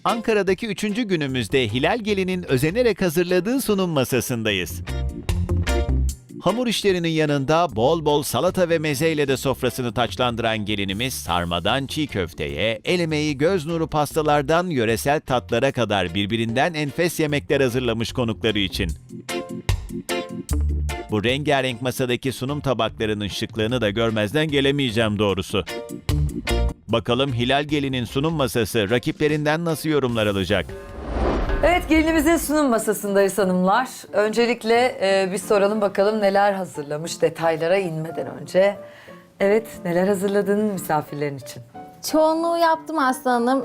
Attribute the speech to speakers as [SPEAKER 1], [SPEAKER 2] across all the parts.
[SPEAKER 1] Ankara'daki 3. günümüzde Hilal Gelin'in özenerek hazırladığı sunum masasındayız. Hamur işlerinin yanında bol bol salata ve mezeyle de sofrasını taçlandıran gelinimiz sarmadan çiğ köfteye, el emeği göz nuru pastalardan yöresel tatlara kadar birbirinden enfes yemekler hazırlamış konukları için. Bu rengarenk masadaki sunum tabaklarının şıklığını da görmezden gelemeyeceğim doğrusu. Bakalım Hilal Gelin'in sunum masası rakiplerinden nasıl yorumlar alacak?
[SPEAKER 2] Evet, gelinimizin sunum masasındayız hanımlar. Öncelikle bir soralım bakalım neler hazırlamış detaylara inmeden önce. Evet, neler hazırladın misafirlerin için?
[SPEAKER 3] Çoğunluğu yaptım aslanım.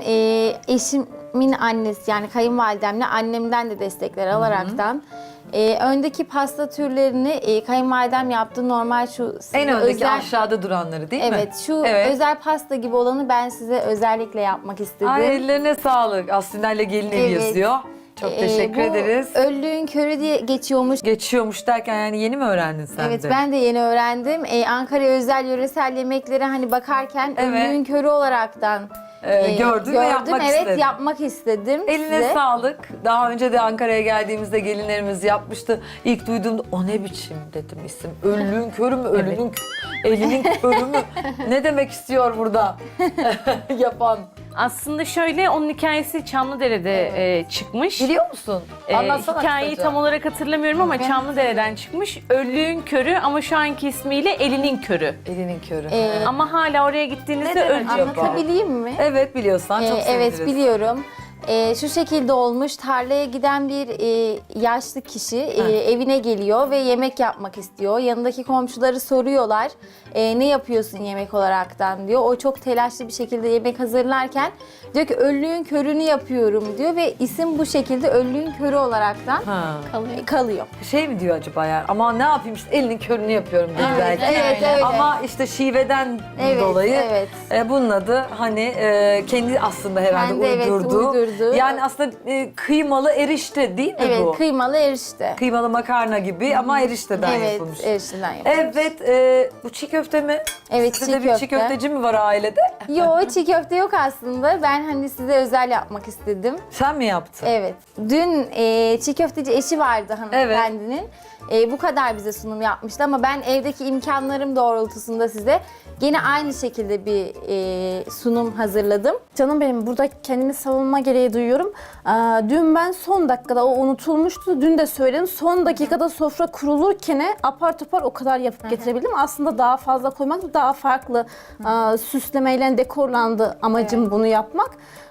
[SPEAKER 3] Eşimin annesi yani kayınvalidemle annemden de destekler alaraktan. Öndeki pasta türlerini kayınvalidem yaptı. Normal şu
[SPEAKER 2] En öndeki
[SPEAKER 3] özel,
[SPEAKER 2] aşağıda duranları değil mi?
[SPEAKER 3] evet, şu
[SPEAKER 2] Evet.
[SPEAKER 3] özel pasta gibi olanı ben size özellikle yapmak istedim.
[SPEAKER 2] Ay, ellerine sağlık. Aslında ile gelin evi
[SPEAKER 3] Evet.
[SPEAKER 2] yazıyor. Çok teşekkür ederiz.
[SPEAKER 3] Bu Öllüğün körü diye geçiyormuş.
[SPEAKER 2] Geçiyormuş derken yani yeni mi öğrendin sen
[SPEAKER 3] Evet,
[SPEAKER 2] de?
[SPEAKER 3] ben de yeni öğrendim. Ankara özel yöresel yemeklere hani bakarken
[SPEAKER 2] Evet.
[SPEAKER 3] öllüğün körü olaraktan
[SPEAKER 2] gördün ve yapmak
[SPEAKER 3] evet,
[SPEAKER 2] istedin.
[SPEAKER 3] yapmak istedim
[SPEAKER 2] Eline
[SPEAKER 3] size.
[SPEAKER 2] sağlık. Daha önce de Ankara'ya geldiğimizde gelinlerimiz yapmıştı. İlk duyduğumda o ne biçim dedim isim. Öllüğün körü mü? Ölünün elinin körü mü? Ne demek istiyor burada yapan?
[SPEAKER 4] Aslında şöyle, onun hikayesi Çamlıdere'de çıkmış.
[SPEAKER 2] Biliyor musun? Anlatsana
[SPEAKER 4] Hikayeyi
[SPEAKER 2] kısaca.
[SPEAKER 4] tam olarak hatırlamıyorum ama Çamlıdere'den çıkmış. Öllüğün körü ama şu anki ismiyle elinin körü.
[SPEAKER 2] Elinin körü.
[SPEAKER 4] Ama hala oraya gittiğinizde
[SPEAKER 2] Ne demek
[SPEAKER 4] öllü
[SPEAKER 2] acaba?
[SPEAKER 4] yapıyor.
[SPEAKER 3] Anlatabileyim mi?
[SPEAKER 2] Evet, biliyorsan çok seviniriz.
[SPEAKER 3] Evet, biliyorum. Şu şekilde olmuş. Tarlaya giden bir yaşlı kişi evine geliyor ve yemek yapmak istiyor. Yanındaki komşuları soruyorlar. Ne yapıyorsun yemek olaraktan diyor. O çok telaşlı bir şekilde yemek hazırlarken diyor ki öllüğün körünü yapıyorum diyor ve isim bu şekilde öllüğün körü olaraktan
[SPEAKER 2] Ha.
[SPEAKER 3] kalıyor.
[SPEAKER 2] Şey mi diyor acaba ya? Ama ne yapayım işte elinin körünü yapıyorum dedi belki.
[SPEAKER 3] Evet, öyle.
[SPEAKER 2] Ama işte şiveden
[SPEAKER 3] Evet,
[SPEAKER 2] dolayı
[SPEAKER 3] evet.
[SPEAKER 2] Bunun adı hani kendi aslında herhalde
[SPEAKER 3] Kendi, evet, uydurdu.
[SPEAKER 2] Yani aslında kıymalı erişte değil mi
[SPEAKER 3] Evet,
[SPEAKER 2] bu?
[SPEAKER 3] kıymalı erişte.
[SPEAKER 2] Kıymalı makarna gibi ama erişteden
[SPEAKER 3] Evet,
[SPEAKER 2] yapılmış.
[SPEAKER 3] erişteden yapılmış.
[SPEAKER 2] Evet, bu çiğ köfte mi?
[SPEAKER 3] Evet,
[SPEAKER 2] Sizde
[SPEAKER 3] çiğ
[SPEAKER 2] de bir çiğ
[SPEAKER 3] köfte.
[SPEAKER 2] köfteci mi var ailede?
[SPEAKER 3] Yo, çiğ köfte yok aslında. Ben hani size özel yapmak istedim.
[SPEAKER 2] Sen mi yaptın?
[SPEAKER 3] Evet. Dün çiğ köfteci eşi vardı hanımefendinin. Bu kadar bize sunum yapmıştı ama ben evdeki imkanlarım doğrultusunda size gene aynı şekilde bir sunum hazırladım.
[SPEAKER 5] Canım benim, burada kendimi savunma gereği duyuyorum. Dün ben son dakikada, o unutulmuştu. Dün de söyledim. Son dakikada sofra kurulurken apar topar o kadar yapıp getirebildim. Aslında daha fazla koymak, daha farklı süslemeyle dekorlandı amacım bunu yapmak.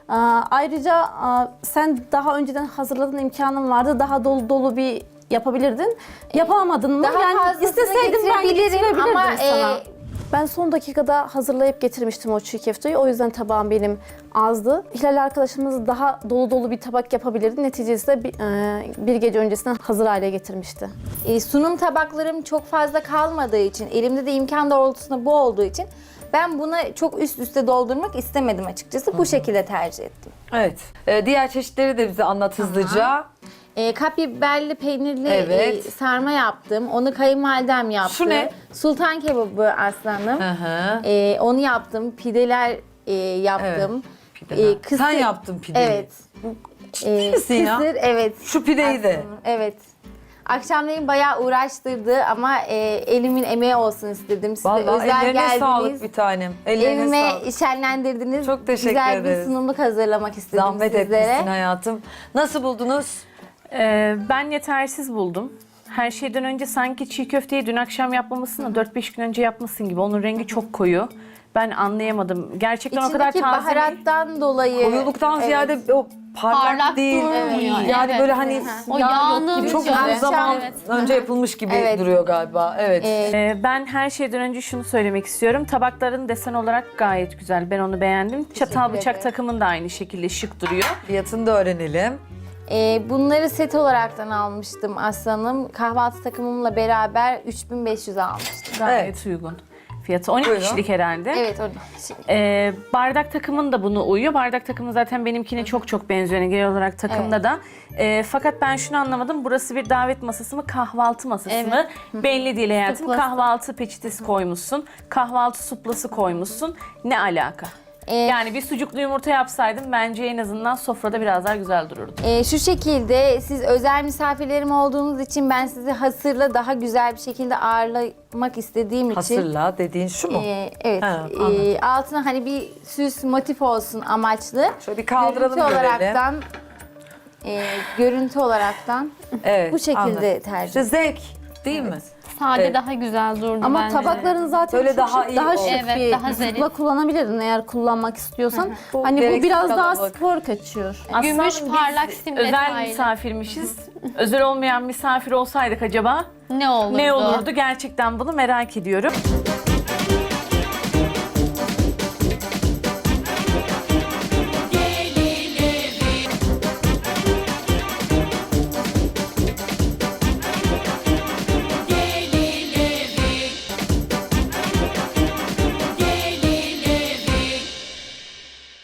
[SPEAKER 5] Ayrıca sen daha önceden hazırladığın imkanın vardı. Daha dolu dolu bir yapabilirdin. Yapamadın mı?
[SPEAKER 3] Daha
[SPEAKER 5] Yani
[SPEAKER 3] fazlasını
[SPEAKER 5] isteseydim ben
[SPEAKER 3] getirebilirim
[SPEAKER 5] getirebilirdim
[SPEAKER 3] ama,
[SPEAKER 5] sana. Ben son dakikada hazırlayıp getirmiştim o çiğ köfteyi. O yüzden tabağım benim azdı. Hilal arkadaşımız daha dolu dolu bir tabak yapabilirdi. Neticesinde bir gece öncesinden hazır hale getirmişti.
[SPEAKER 3] Sunum tabaklarım çok fazla kalmadığı için, elimde de imkan doğrultusunda bu olduğu için ben buna çok üst üste doldurmak istemedim açıkçası. Bu şekilde tercih ettim.
[SPEAKER 2] Evet. Diğer çeşitleri de bize anlat hızlıca.
[SPEAKER 3] Kapya biberli peynirli
[SPEAKER 2] Evet.
[SPEAKER 3] sarma yaptım. Onu kayınvalidem yaptı.
[SPEAKER 2] Şu ne?
[SPEAKER 3] Sultan kebabı aslanım.
[SPEAKER 2] Hı hı.
[SPEAKER 3] Onu yaptım. Pideler yaptım.
[SPEAKER 2] Pideler.
[SPEAKER 3] Kısır-
[SPEAKER 2] Sen yaptın pideyi.
[SPEAKER 3] Evet.
[SPEAKER 2] Ciddi misin ya?
[SPEAKER 3] Kısır, evet.
[SPEAKER 2] Şu pideyi de.
[SPEAKER 3] Evet. Akşamleyin bayağı uğraştırdı ama elimin emeği olsun istedim. Size
[SPEAKER 2] Vallahi
[SPEAKER 3] özel
[SPEAKER 2] ellerine
[SPEAKER 3] geldiniz.
[SPEAKER 2] sağlık bir tanem. Ellerine
[SPEAKER 3] Evime
[SPEAKER 2] sağlık.
[SPEAKER 3] şenlendirdiniz.
[SPEAKER 2] Çok teşekkür
[SPEAKER 3] Güzel
[SPEAKER 2] ederiz.
[SPEAKER 3] bir sunumluk hazırlamak istedim
[SPEAKER 2] Zahmet
[SPEAKER 3] sizlere.
[SPEAKER 2] etmişsin hayatım. Nasıl buldunuz?
[SPEAKER 4] Ben yetersiz buldum. Her şeyden önce sanki çiğ köfteyi dün akşam yapmamışsın da 4-5 gün önce yapmışsın gibi. Onun rengi çok koyu. Ben anlayamadım. Gerçekten o kadar
[SPEAKER 3] İçindeki
[SPEAKER 4] taze.
[SPEAKER 3] baharattan dolayı.
[SPEAKER 2] Koyuluktan ziyade o parlak değil.
[SPEAKER 6] durmuyor.
[SPEAKER 2] Yani
[SPEAKER 6] Evet.
[SPEAKER 2] böyle hani
[SPEAKER 6] O
[SPEAKER 3] Yağ
[SPEAKER 6] yağını
[SPEAKER 3] yok gibi.
[SPEAKER 2] çok
[SPEAKER 3] Akşam-
[SPEAKER 2] uzun zaman
[SPEAKER 6] Evet.
[SPEAKER 2] önce yapılmış gibi
[SPEAKER 3] Evet.
[SPEAKER 2] duruyor galiba. Evet.
[SPEAKER 4] Ben her şeyden önce şunu söylemek istiyorum. Tabakların desen olarak gayet güzel. Ben onu beğendim. Çatal bıçak
[SPEAKER 3] ederim.
[SPEAKER 4] takımın da aynı şekilde şık duruyor.
[SPEAKER 2] Fiyatını da öğrenelim.
[SPEAKER 3] Bunları set olaraktan almıştım aslanım. Kahvaltı takımımla beraber 3500 almıştım.
[SPEAKER 4] Gayet uygun. Fiyatı 12
[SPEAKER 2] Buyurun.
[SPEAKER 4] kişilik herhalde.
[SPEAKER 3] Evet, o
[SPEAKER 4] Bardak takımın da bunu uyuyor. Bardak takımı zaten benimkine çok çok benziyor. Yani genel olarak takımda da. Fakat ben şunu anlamadım. Burası bir davet masası mı, kahvaltı masası mı? Belli değil hayatım.
[SPEAKER 3] Suplası.
[SPEAKER 4] Kahvaltı peçetesi koymuşsun. Kahvaltı suplası koymuşsun. Ne alaka? Yani bir sucuklu yumurta yapsaydım bence en azından sofrada biraz daha güzel dururdu.
[SPEAKER 3] Şu şekilde siz özel misafirlerim olduğunuz için ben sizi hasırla daha güzel bir şekilde ağırlamak istediğim için.
[SPEAKER 2] Hasırla dediğin şu mu?
[SPEAKER 3] Evet.
[SPEAKER 2] Ha, anladım.
[SPEAKER 3] Altına hani bir süs motif olsun amaçlı.
[SPEAKER 2] Şöyle bir kaldıralım,
[SPEAKER 3] Görüntü
[SPEAKER 2] görelim.
[SPEAKER 3] olaraktan görüntü olaraktan
[SPEAKER 2] Evet,
[SPEAKER 3] bu şekilde
[SPEAKER 2] anladım.
[SPEAKER 3] tercih.
[SPEAKER 2] İşte zevk değil mi?
[SPEAKER 6] Sade
[SPEAKER 2] Evet.
[SPEAKER 6] daha güzel durdu
[SPEAKER 5] Ama
[SPEAKER 6] bence.
[SPEAKER 5] tabakların zaten
[SPEAKER 2] Böyle
[SPEAKER 5] çok
[SPEAKER 2] daha
[SPEAKER 5] şık,
[SPEAKER 2] iyi
[SPEAKER 5] daha
[SPEAKER 2] oldu.
[SPEAKER 5] şık
[SPEAKER 6] Evet,
[SPEAKER 5] bir
[SPEAKER 6] daha zarif.
[SPEAKER 5] zıpla kullanabilirdin eğer kullanmak istiyorsan.
[SPEAKER 2] Bu
[SPEAKER 5] Hani bu
[SPEAKER 2] gereksiz
[SPEAKER 5] biraz daha
[SPEAKER 2] kalabalık.
[SPEAKER 5] spor kaçıyor.
[SPEAKER 6] Gümüş
[SPEAKER 4] Aslında
[SPEAKER 6] parlak
[SPEAKER 4] biz
[SPEAKER 6] sim
[SPEAKER 4] özel
[SPEAKER 6] detaylı.
[SPEAKER 4] misafirmişiz. Özel olmayan misafir olsaydık acaba
[SPEAKER 6] Ne olurdu?
[SPEAKER 4] ne olurdu? Gerçekten bunu merak ediyorum.